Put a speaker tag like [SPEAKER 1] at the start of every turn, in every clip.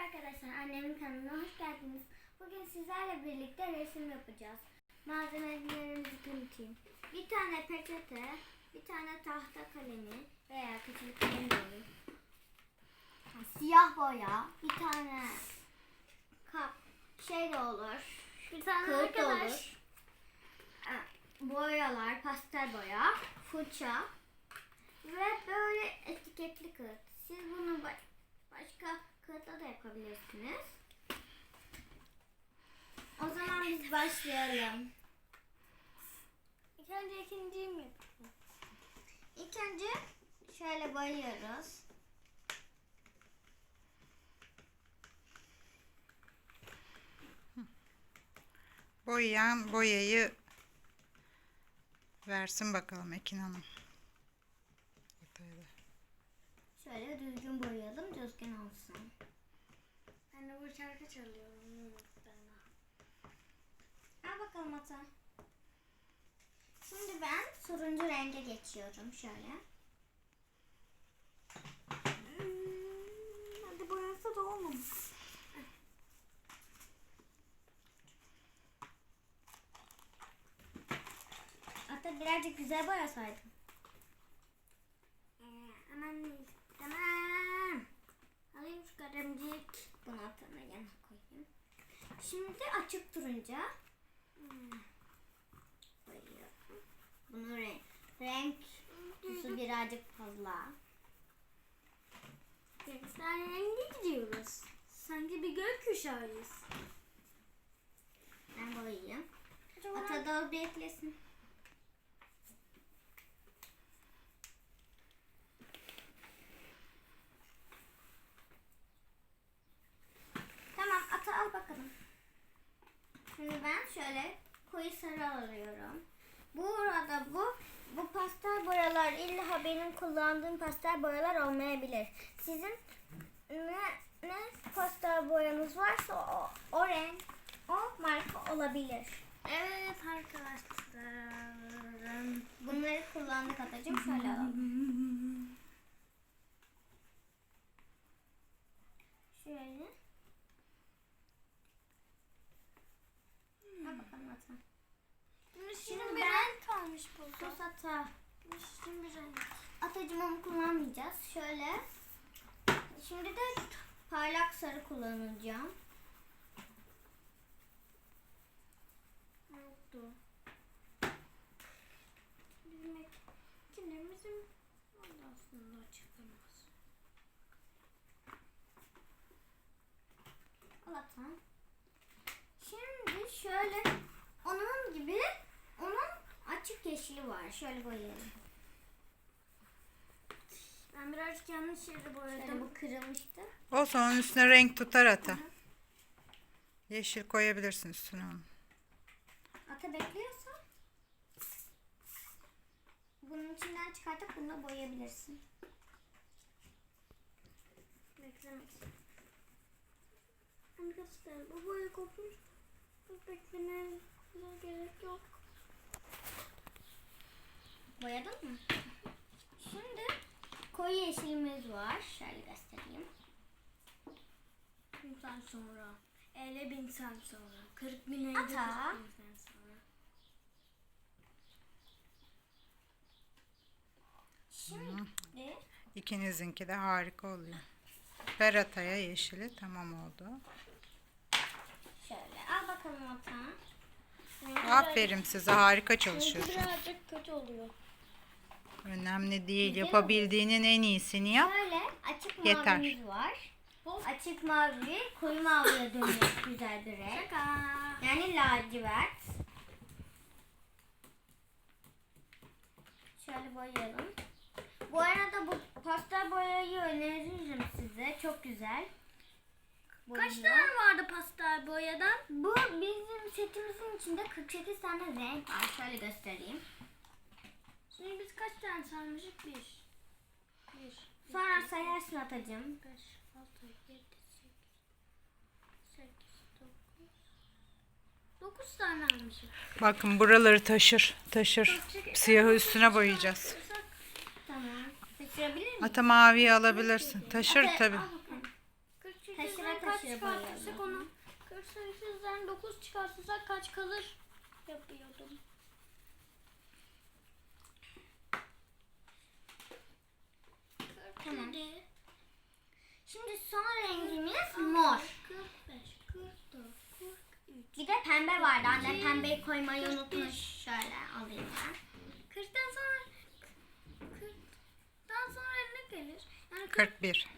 [SPEAKER 1] arkadaşlar, annemin kanalına hoş geldiniz. Bugün sizlerle birlikte resim yapacağız. Malzemelerimizi tanıtayım. Bir tane peçete, bir tane tahta kalemi veya küçük kalem de olur. Siyah boya, bir tane kap de olur. Bir tane kağıt da olur. Boyalar, pastel boya, fırça ve böyle etiketli kağıt. Siz bunu başka kağıtla da yapabilirsiniz. O zaman biz başlayalım. İlk önce ikinciyi mi yapalım? İlk önce şöyle boyuyoruz.
[SPEAKER 2] Boyayan boyayı versin bakalım Ekin Hanım.
[SPEAKER 1] Şöyle düzgün boyayalım, düzgün olsun.
[SPEAKER 3] Ben de bu şarkı çalıyorum.
[SPEAKER 1] Al bakalım Ata. Şimdi ben turuncu renge geçiyorum şöyle.
[SPEAKER 3] Hadi boyansa da olmamış.
[SPEAKER 1] Ata birazcık güzel boyasaydın.
[SPEAKER 3] Aman
[SPEAKER 1] Tamam. Alayım şu kalemcik. Bunu Ata'nın yanına koyayım. Şimdi açık turuncu. Koyuyorum. Bunun renk tuzu birazcık fazla.
[SPEAKER 3] Renkler rengi gidiyoruz. Sanki bir gökkuşağıyız.
[SPEAKER 1] Ben boyayayım. Ata da beklesin. Tamam, Ata al bakalım. Şimdi ben şöyle koyu sarı alıyorum. Burada bu pastel boyalar illa benim kullandığım pastel boyalar olmayabilir. Sizin ne pastel boyanız varsa o renk, o marka olabilir.
[SPEAKER 3] Evet arkadaşlar.
[SPEAKER 1] Bunları kullandık Atacığım. Şöyle alalım. Şöyle. Al bakalım Ata.
[SPEAKER 3] Şimdi
[SPEAKER 1] ben-
[SPEAKER 3] bir renk kalmış burada.
[SPEAKER 1] Sus Ata.
[SPEAKER 3] Şimdi bir renk.
[SPEAKER 1] Atacığım onu kullanmayacağız. Şöyle. Şimdi de parlak sarı kullanacağım.
[SPEAKER 3] Oldu. Bizim ikilemizin aslında çıkamaz.
[SPEAKER 1] Al Ata. Şimdi şöyle onun gibi açık yeşili var. Şöyle boyayalım.
[SPEAKER 3] Ben birazcık yanlış yeri
[SPEAKER 1] Şöyle
[SPEAKER 3] boyadım.
[SPEAKER 1] bu kırılmıştı.
[SPEAKER 2] Olsun, onun üstüne renk tutar Ata. Yeşil koyabilirsin üstüne onu.
[SPEAKER 1] Ata bekliyorsa bunun içinden çıkartıp bununla boyayabilirsin.
[SPEAKER 3] Beklemek. Arkadaşlar bu boya kopmuş. Beklemeye gerek yok.
[SPEAKER 1] Boyadın mı? Şimdi koyu yeşilimiz var. Şöyle göstereyim.
[SPEAKER 3] 1000 sene sonra. 50.000 sene sonra. 40.000 50
[SPEAKER 1] Ata.
[SPEAKER 3] 40.000 sene sonra.
[SPEAKER 1] Şimdi
[SPEAKER 2] İkinizinki de harika oluyor. Ver Ata'ya yeşili, tamam oldu.
[SPEAKER 1] şöyle al bakalım Ata.
[SPEAKER 2] Aferin size, harika çalışıyorsun.
[SPEAKER 3] Birazcık kötü oluyor.
[SPEAKER 2] Önemli değil, yapabildiğinin en iyisini yap.
[SPEAKER 1] Şöyle açık
[SPEAKER 2] Yeter.
[SPEAKER 1] mavimiz var. Açık mavi koyu maviye dönüyor güzel bir renk.
[SPEAKER 3] Şaka.
[SPEAKER 1] Yani lacivert. Şöyle boyayalım. Bu arada bu pastel boyayı öneririm size. Çok güzel.
[SPEAKER 3] Kaç
[SPEAKER 1] Boyuyor.
[SPEAKER 3] tane vardı pastel boyadan?
[SPEAKER 1] Bu bizim setimizin içinde 48 tane renk var. Şöyle göstereyim.
[SPEAKER 3] Şimdi biz kaç tane sarmışık? 1
[SPEAKER 1] Sonra sayarsın Atacığım.
[SPEAKER 3] 5, 6, 7, 8, 9 tane almışım.
[SPEAKER 2] Bakın buraları taşır. Siyahı üstüne boyayacağız.
[SPEAKER 1] Tamam. Taşırabilir miyim?
[SPEAKER 2] Ata maviyi alabilirsin. Taşır
[SPEAKER 1] Ata,
[SPEAKER 2] tabii.
[SPEAKER 1] al bakalım.
[SPEAKER 3] Küçük
[SPEAKER 1] Taşıra
[SPEAKER 3] kaç kaç
[SPEAKER 1] Yeşil
[SPEAKER 3] çıkartırsak
[SPEAKER 1] boyayalım.
[SPEAKER 3] onu 40 sayısından 9 çıkartırsak kaç kalır yapıyordum.
[SPEAKER 1] Tamam. Şimdi son rengimiz mor.
[SPEAKER 3] 45, 44, 43.
[SPEAKER 1] Bir de pembe vardı. Anne pembeyi koymayı unutmuş. Şöyle alayım ben.
[SPEAKER 3] 40'tan sonra 40'tan sonra ne gelir? Yani
[SPEAKER 2] 41.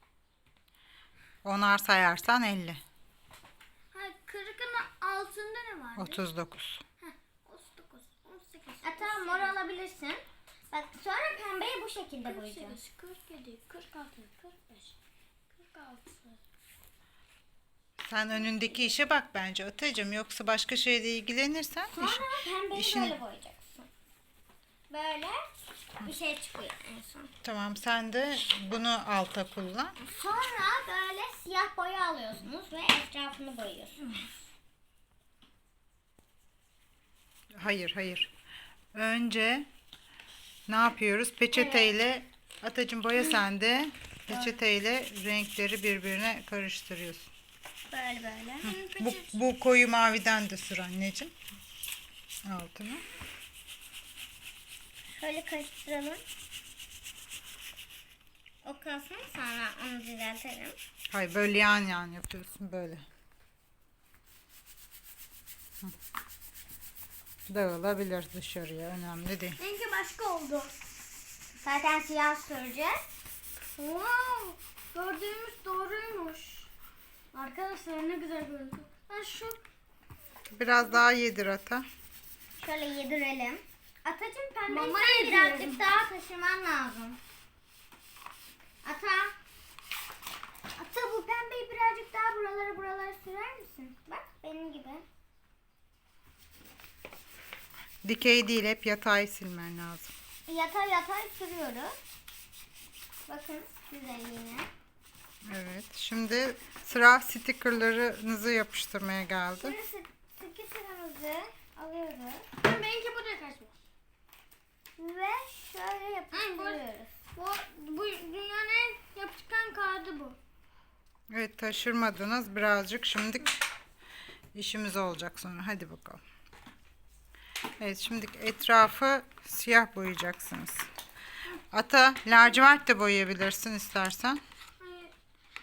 [SPEAKER 2] Onar sayarsan 50.
[SPEAKER 3] hayır, 40'ın altında ne var?
[SPEAKER 2] 39.
[SPEAKER 3] 39, 18,
[SPEAKER 1] Hatta mor alabilirsin. Bak sonra pembeyi bu şekilde boyayacağım.
[SPEAKER 3] 48, 47, 46, 45, 46.
[SPEAKER 2] Sen önündeki işe bak bence Atacığım. Yoksa başka şeyle ilgilenirsen
[SPEAKER 1] Sonra pembeyi
[SPEAKER 2] işini-
[SPEAKER 1] böyle boyayacaksın. Böyle bir şey çıkıyor en son.
[SPEAKER 2] Tamam, sen de bunu alta kullan.
[SPEAKER 1] Sonra böyle siyah boya alıyorsunuz ve etrafını boyuyorsunuz.
[SPEAKER 2] Hayır. Önce ne yapıyoruz? Peçeteyle Atacığım boya sende. Peçeteyle renkleri birbirine karıştırıyorsun.
[SPEAKER 1] Böyle.
[SPEAKER 2] Bu koyu maviden de sür anneciğim. Altına.
[SPEAKER 1] Şöyle karıştıralım. O kalsın, sonra onu düzeltelim.
[SPEAKER 2] Hayır, böyle yan yapıyorsun böyle. Hı. Dağılabilir dışarıya, önemli değil.
[SPEAKER 3] Rengi başka oldu.
[SPEAKER 1] Zaten siyah süreceğiz.
[SPEAKER 3] Wow! Gördüğümüz doğruymuş. Arkadaşlar ne güzel görüntü. Ben şu
[SPEAKER 2] Biraz daha yedir Ata.
[SPEAKER 1] Şöyle yedirelim. Atacığım pembeyi
[SPEAKER 3] Mama
[SPEAKER 1] sen
[SPEAKER 3] yediriyorum.
[SPEAKER 1] birazcık daha taşıman lazım. Ata bu pembeyi birazcık daha buralara sürer misin? Bak benim gibi.
[SPEAKER 2] Dikey değil, hep yatay silmen lazım.
[SPEAKER 1] Yatay sürüyoruz. Bakın güzelliğine.
[SPEAKER 2] Evet, şimdi sıra stickerlarınızı yapıştırmaya geldi.
[SPEAKER 1] Şimdi sıkı sıramızı alıyoruz.
[SPEAKER 3] benimki buraya kaçmış.
[SPEAKER 1] Ve şöyle yapıştırıyoruz.
[SPEAKER 3] Bu dünyanın en yapışkan kağıdı bu.
[SPEAKER 2] Evet, taşırmadınız birazcık, şimdi işimiz olacak sonra. Hadi bakalım. Evet, şimdi etrafı siyah boyayacaksınız. Ata, lacivert de boyayabilirsin istersen.
[SPEAKER 3] Hayır.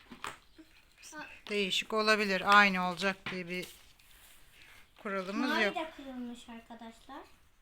[SPEAKER 2] Değişik olabilir. Aynı olacak diye bir kuralımız
[SPEAKER 1] Mavi
[SPEAKER 2] yok.
[SPEAKER 1] de kırılmış arkadaşlar.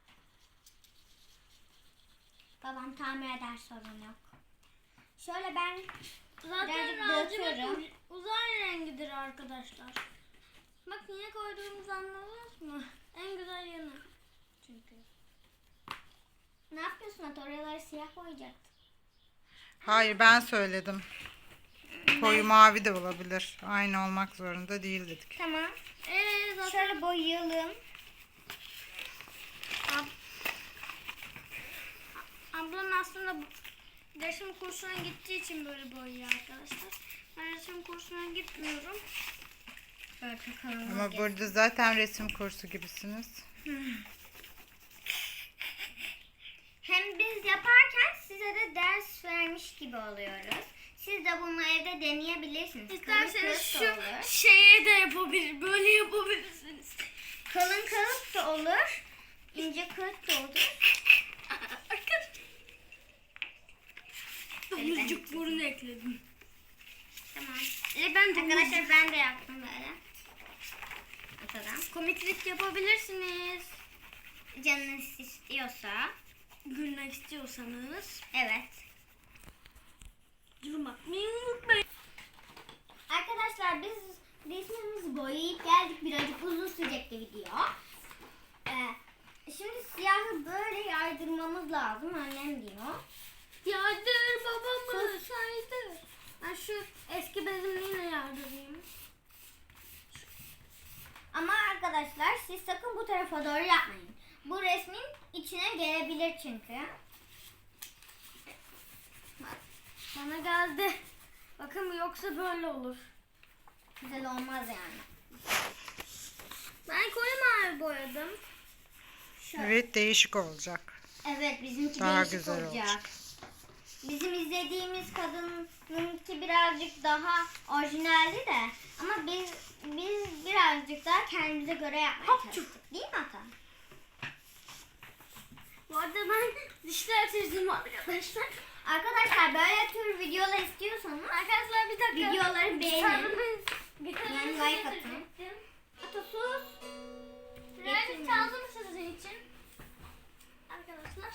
[SPEAKER 1] Babam tamir eder, sorun yok. Şöyle ben
[SPEAKER 3] Zaten
[SPEAKER 1] birazcık
[SPEAKER 3] lacivert
[SPEAKER 1] döküyorum.
[SPEAKER 3] uzay rengidir arkadaşlar. Bak niye koyduğumuzu anladınız mı? En güzel yanı. Çünkü.
[SPEAKER 1] Ne yapıyorsun Ata? Oraları siyah boyayacaktın.
[SPEAKER 2] Hayır, ben söyledim. Koyu mavi de olabilir. Aynı olmak zorunda değil dedik.
[SPEAKER 1] Tamam.
[SPEAKER 3] Zaten
[SPEAKER 1] Şöyle boyayalım.
[SPEAKER 3] ablam aslında resim kursuna gittiği için böyle boyuyor arkadaşlar. Ben resim kursuna gitmiyorum.
[SPEAKER 1] Şöyle takalım.
[SPEAKER 2] Ama burada zaten resim kursu gibisiniz.
[SPEAKER 1] Hem biz yaparken size de ders vermiş gibi oluyoruz. Siz de bunu evde deneyebilirsiniz.
[SPEAKER 3] İsterseniz
[SPEAKER 1] Kalın kağıt da olur.
[SPEAKER 3] şu şeye de yapabilir, böyle yapabilirsiniz.
[SPEAKER 1] Kalın kağıt da olur. İnce kağıt da olur.
[SPEAKER 3] Domuzcuk burun ekledim.
[SPEAKER 1] Tamam.
[SPEAKER 3] Ben
[SPEAKER 1] Arkadaşlar ben de yaptım böyle. Atadan.
[SPEAKER 3] komiklik yapabilirsiniz.
[SPEAKER 1] Canınız istiyorsa.
[SPEAKER 3] Gülmek istiyorsanız.
[SPEAKER 1] Evet.
[SPEAKER 3] Yorum atmayı unutmayın.
[SPEAKER 1] Arkadaşlar biz resmimizi boyayıp geldik. Birazcık uzun sürecekti video. Şimdi siyahı böyle yaydırmamız lazım. Annem diyor.
[SPEAKER 3] Yardır babamı saydır. Ben şu eski bezimliğine yardırayım.
[SPEAKER 1] Ama arkadaşlar siz sakın bu tarafa doğru yapmayın. Bu resmin içine gelebilir çünkü.
[SPEAKER 3] Bana geldi. Bakın yoksa böyle olur.
[SPEAKER 1] Güzel olmaz yani.
[SPEAKER 3] Ben koyu mavi boyadım.
[SPEAKER 1] Şöyle.
[SPEAKER 2] Evet, değişik olacak.
[SPEAKER 1] Evet bizimki
[SPEAKER 2] Daha
[SPEAKER 1] değişik
[SPEAKER 2] güzel
[SPEAKER 1] olacak. bizim izlediğimiz kadınınki birazcık daha orijinaldi de ama biz birazcık daha kendimize göre yapmaya çalıştık. Değil mi Ata?
[SPEAKER 3] Bu arada ben dişler çizdim arkadaşlar.
[SPEAKER 1] Arkadaşlar böyle tür videolar istiyorsanız
[SPEAKER 3] Arkadaşlar bir dakika.
[SPEAKER 1] videoları beğenin.
[SPEAKER 3] Gitarımı
[SPEAKER 1] Yani
[SPEAKER 3] size
[SPEAKER 1] like atın.
[SPEAKER 3] getirecektim.
[SPEAKER 1] Ata sus.
[SPEAKER 3] Birazcık çaldım sizin için. Arkadaşlar.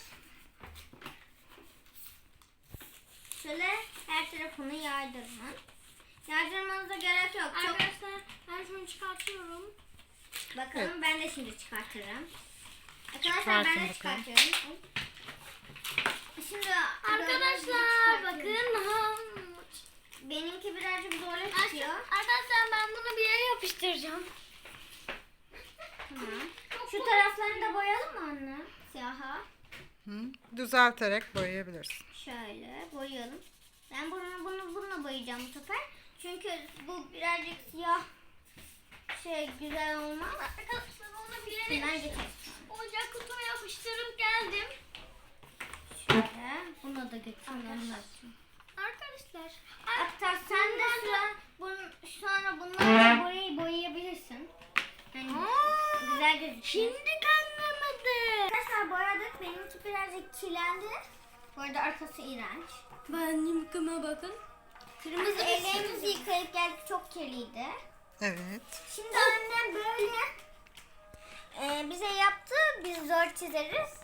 [SPEAKER 1] Şöyle her tarafını yaydırın. Yaydırmanıza gerek yok. Çok...
[SPEAKER 3] Arkadaşlar ben şunu çıkartıyorum.
[SPEAKER 1] Bakalım ben de şimdi çıkartırım. Arkadaşlar
[SPEAKER 2] Çıkartın
[SPEAKER 1] ben de
[SPEAKER 2] bakalım.
[SPEAKER 1] çıkartıyorum. Şimdi
[SPEAKER 3] Arkadaşlar bakın.
[SPEAKER 1] benimki birazcık zorla çıkıyor.
[SPEAKER 3] Arkadaşlar ben bunu bir yere yapıştıracağım.
[SPEAKER 1] Tamam. Şu taraflarını da boyayalım mı anne? Siyaha.
[SPEAKER 2] Hı? Düzelterek boyayabilirsin.
[SPEAKER 1] Şöyle boyayalım. Ben bununla boyayacağım bu sefer. Çünkü bu birazcık siyah güzel olmaz.
[SPEAKER 3] Arkadaşlar onu bir yere
[SPEAKER 1] Ben geçelim.
[SPEAKER 3] ocak kutuma yapıştırıp geldim.
[SPEAKER 1] Şöyle. Bunu da götürelim.
[SPEAKER 3] Arkadaşlar.
[SPEAKER 1] Hatta sen de sonra bunlarla boyayabilirsin. Yani güzel gözüküyor.
[SPEAKER 3] Şimdi kanlamadı.
[SPEAKER 1] Arkadaşlar boyadık. Benimki birazcık kirlendi. Bu arada arkası iğrenç.
[SPEAKER 3] Ben yıkama bakın.
[SPEAKER 1] Kırmızı ellerimizi yıkayıp geldik. Çok kirliydi.
[SPEAKER 2] Evet.
[SPEAKER 1] Şimdi annem böyle bize yaptı. Biz zor çizeriz.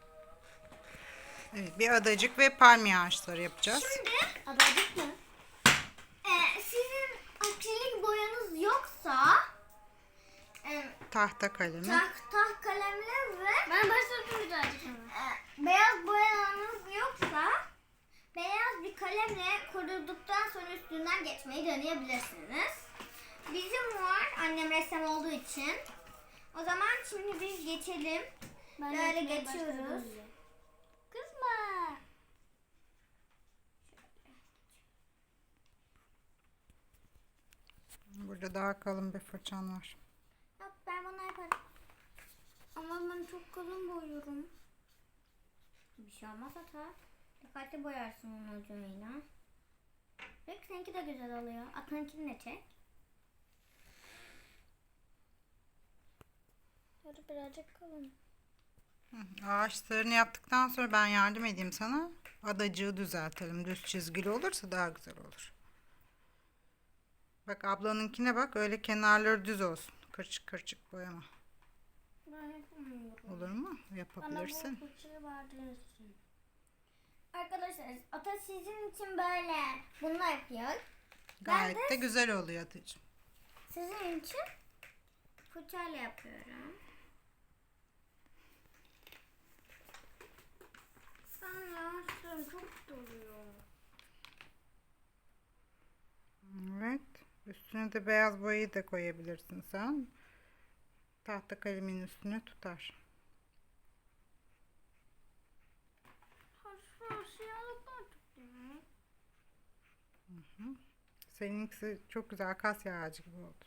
[SPEAKER 2] Evet, bir adacık ve palmiye ağaçları yapacağız.
[SPEAKER 1] Şimdi adadık mı? Sizin akrilik boyanız yoksa
[SPEAKER 2] Tahta kalemi.
[SPEAKER 1] taht kalemle ve
[SPEAKER 3] Ben başladım birazcık ama.
[SPEAKER 1] beyaz boyanız yoksa beyaz bir kalemle kurulduktan sonra üstünden geçmeyi deneyebilirsiniz. Bizim var annem ressam olduğu için. O zaman şimdi biz geçelim. Böyle geçiyoruz.
[SPEAKER 3] Kızma.
[SPEAKER 2] Burada daha kalın bir fırçan var.
[SPEAKER 1] Yok ben bunu yaparım.
[SPEAKER 3] Ama ben çok kalın boyuyorum.
[SPEAKER 1] Bir şey olmaz hata. Dikkatli boyarsın onun ucuyla. Peki seninki de güzel oluyor. Atanınkini de çek.
[SPEAKER 3] Hadi birazcık kalın.
[SPEAKER 2] Ağaçlarını yaptıktan sonra ben yardım edeyim sana. Adacığı düzeltelim. Düz çizgili olursa daha güzel olur. Bak ablanınkine bak. Öyle kenarları düz olsun. Kırçık kırçık boyama.
[SPEAKER 3] Ben yapamıyorum.
[SPEAKER 2] Olur mu?
[SPEAKER 3] Bana
[SPEAKER 2] Yapabilirsin.
[SPEAKER 3] bu fırçayı verdiniz için.
[SPEAKER 1] Arkadaşlar ata sizin için böyle bunu yapıyor.
[SPEAKER 2] Gayet de güzel oluyor Atacığım.
[SPEAKER 1] Sizin için fırçayla yapıyorum.
[SPEAKER 3] Ben yavaşlıyorum çok doluyor.
[SPEAKER 2] Evet. Üstüne de beyaz boyayı da koyabilirsin sen. Tahta kalemin üstüne tutar.
[SPEAKER 3] Haşlar siyahlıklar tutuyor.
[SPEAKER 2] Seninkisi çok güzel akasya ağacı gibi oldu.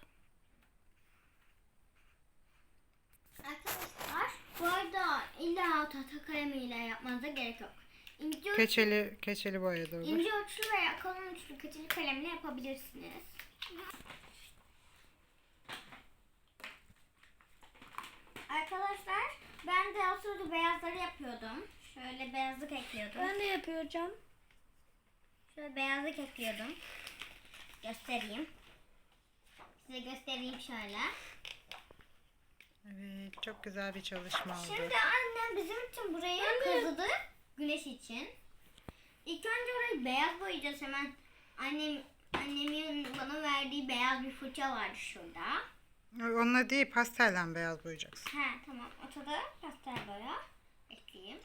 [SPEAKER 1] Arkadaşlar bu arada illa tahta kalemiyle yapmanıza gerek yok. İnce,
[SPEAKER 2] Keçeli boya da olur.
[SPEAKER 1] ince uçlu veya kalın uçlu keçeli kalemle yapabilirsiniz. Arkadaşlar ben de o sırada beyazları yapıyordum. Şöyle beyazlık ekliyordum.
[SPEAKER 3] Ben de yapacağım.
[SPEAKER 1] Şöyle beyazlık ekliyordum. Göstereyim. Size göstereyim şöyle.
[SPEAKER 2] Evet, çok güzel bir çalışma oldu.
[SPEAKER 1] Şimdi annem bizim için burayı kazıdı. Güneş için. İlk önce orayı beyaz boyayacağız hemen. Annemin bana verdiği beyaz bir fırça vardı şurada.
[SPEAKER 2] Onunla değil, pastellen beyaz boyayacaksın.
[SPEAKER 1] He tamam. Ortada pastel boya. Ekleyeyim.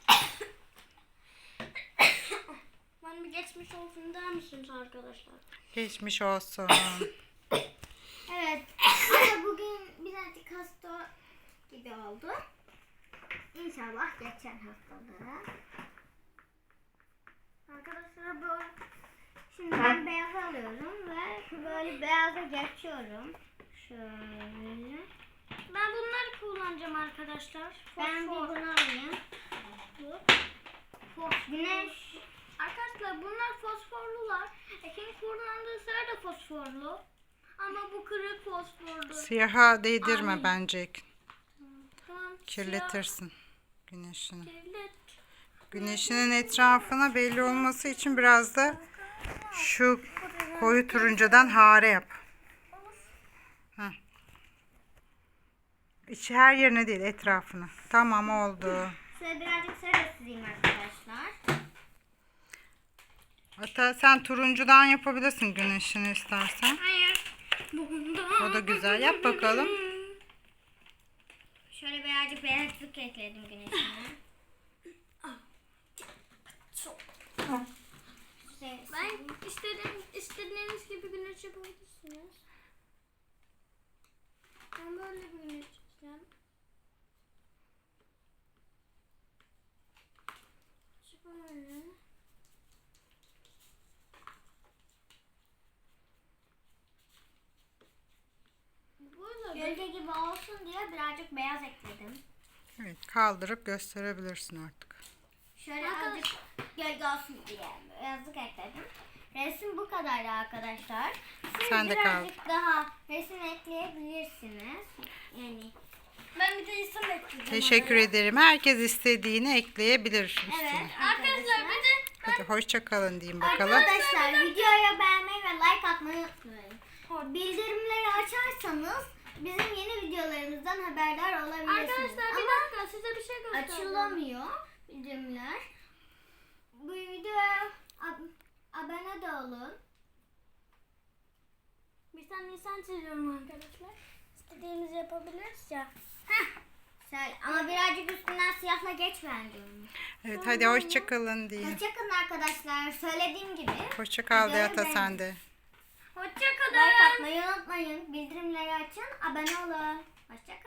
[SPEAKER 3] Ben bir geçmiş olsun der misiniz arkadaşlar?
[SPEAKER 2] Geçmiş olsun.
[SPEAKER 1] Evet. Ama bugün birazcık hasta gibi oldu. İnşallah geçer hastalığı. Arkadaşlar bu şimdi ben beyaz alıyorum ve böyle beyaza geçiyorum. Şöyle.
[SPEAKER 3] Ben bunları kullanacağım arkadaşlar.
[SPEAKER 1] Ben bir
[SPEAKER 3] Fosfor.
[SPEAKER 1] bunu alayım. Güneş
[SPEAKER 3] Arkadaşlar bunlar fosforlular. Ekin kullandığı sıra da fosforlu. Ama bu kırık fosforlu.
[SPEAKER 2] Siyaha değdirme
[SPEAKER 3] Ay.
[SPEAKER 2] bence.
[SPEAKER 3] Tamam.
[SPEAKER 2] Kirletirsin güneşini.
[SPEAKER 3] Kirlet.
[SPEAKER 2] Güneşinin etrafına belli olması için biraz da şu koyu turuncudan hare yap. Heh. İçi her yerine değil, etrafına. Tamam, oldu.
[SPEAKER 1] Şöyle birazcık sarı süreyim arkadaşlar.
[SPEAKER 2] Hatta sen turuncudan yapabilirsin güneşini istersen.
[SPEAKER 3] Hayır.
[SPEAKER 2] O da güzel. Yap bakalım.
[SPEAKER 1] Şöyle birazcık beyazlık ekledim güneşine.
[SPEAKER 3] Ben istediğiniz gibi güneş yapabilirsiniz. Ben böyle bir güneş yapacağım. Şöyle. Böyle
[SPEAKER 1] Gölge gibi olsun diye birazcık beyaz ekledim.
[SPEAKER 2] Evet, kaldırıp gösterebilirsin artık.
[SPEAKER 1] Şöyle azıcık gölge olsun diye beyazlık ekledim. Resim bu kadardı arkadaşlar. Siz
[SPEAKER 2] Sen de
[SPEAKER 1] birazcık daha resim ekleyebilirsiniz. Yani
[SPEAKER 3] ben bir de insan ekledim.
[SPEAKER 2] Teşekkür ederim. Herkes istediğini ekleyebilir üstüne.
[SPEAKER 1] evet
[SPEAKER 3] Arkadaşlar bir de
[SPEAKER 2] Hadi hoşça kalın diyeyim bakalım.
[SPEAKER 1] Arkadaşlar videoya beğenmeyi ve like atmayı unutmayın. Bildirimleri açarsanız bizim yeni videolarımızdan haberdar olabilirsiniz.
[SPEAKER 3] arkadaşlar bir
[SPEAKER 1] Ama
[SPEAKER 3] dakika size bir şey göstereceğim.
[SPEAKER 1] açılamıyor bildirimler. Bu videoya abone de olun.
[SPEAKER 3] Bir tane insan çiziyorum arkadaşlar. İstediğimizi yapabiliriz ya.
[SPEAKER 1] Ama birazcık üstünden siyahla geç bence onu.
[SPEAKER 2] Evet, hadi hoşça kalın deyin.
[SPEAKER 1] Hoşçakalın arkadaşlar. Söylediğim gibi
[SPEAKER 2] Hoşça kal
[SPEAKER 1] videoyu
[SPEAKER 2] Diyata
[SPEAKER 1] beğenin.
[SPEAKER 2] sen de.
[SPEAKER 3] Hoşçakalın.
[SPEAKER 1] Like atmayı unutmayın. Bildirimleri açın. Abone olun. Hoşçakalın.